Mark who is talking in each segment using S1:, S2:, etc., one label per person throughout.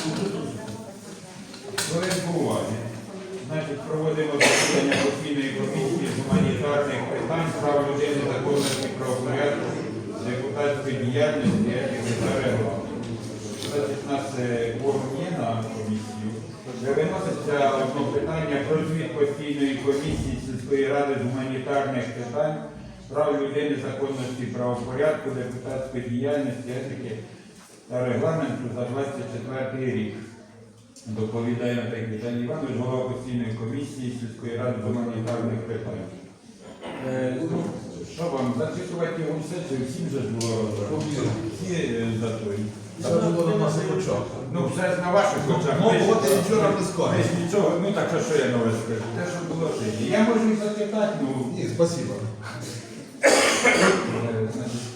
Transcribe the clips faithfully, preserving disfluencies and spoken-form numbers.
S1: Хвилинку уваги. Значить, проводимо засідання постійної комісії з гуманітарних питань, прав людини, законності, правопорядку, депутатської діяльності, етики та регламенту. Значить, у нас кворум є на комісію. Виноситься одне питання про звіт постійної комісії сільської ради з гуманітарних питань, прав людини, законності, правопорядку, депутатської діяльності, етики та регламенту за двадцять четвертий рік. Доповідає Наталія Віталій Іванович, голова постійної комісії сільської ради з гуманітарних питань. Е, ну, що вам, зачитувати його сесію, всім же ж було всі е, за той.
S2: Це було на наших очах.
S1: Ну, все на ваших очах.
S2: Ну,
S1: Ми ж-
S2: от і нічого не
S1: ми
S2: скажеш.
S1: ж нічого, ну так що, що я нове скажу? Те, що було тоді. Я можу і зачитати, ну,
S2: Ні, спасибо.
S1: е, значить,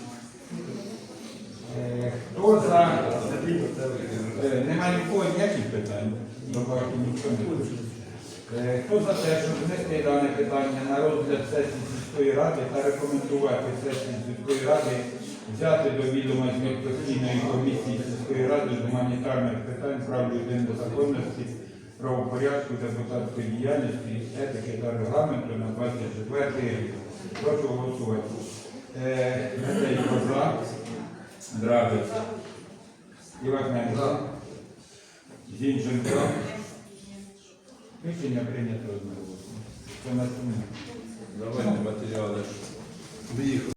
S1: е, хто за... Е, Нема нікого ніяких питань. Добавки ніхто не хоче. Е, Хто за те, щоб внести дане питання на розгляд сесії сільської ради та рекомендувати сесії сільської ради взяти до відома звіт постійної комісії сільської ради з гуманітарних питань, прав людини, законності, правопорядку, депутатської діяльності, етики та регламенту на двадцять четвертий рік. Прошу голосувати. Е, Медведь за, Драбець, Івахненко, Зінченко. Рішення прийнято одноголосно. Це на сумні.
S2: Давайте матеріали.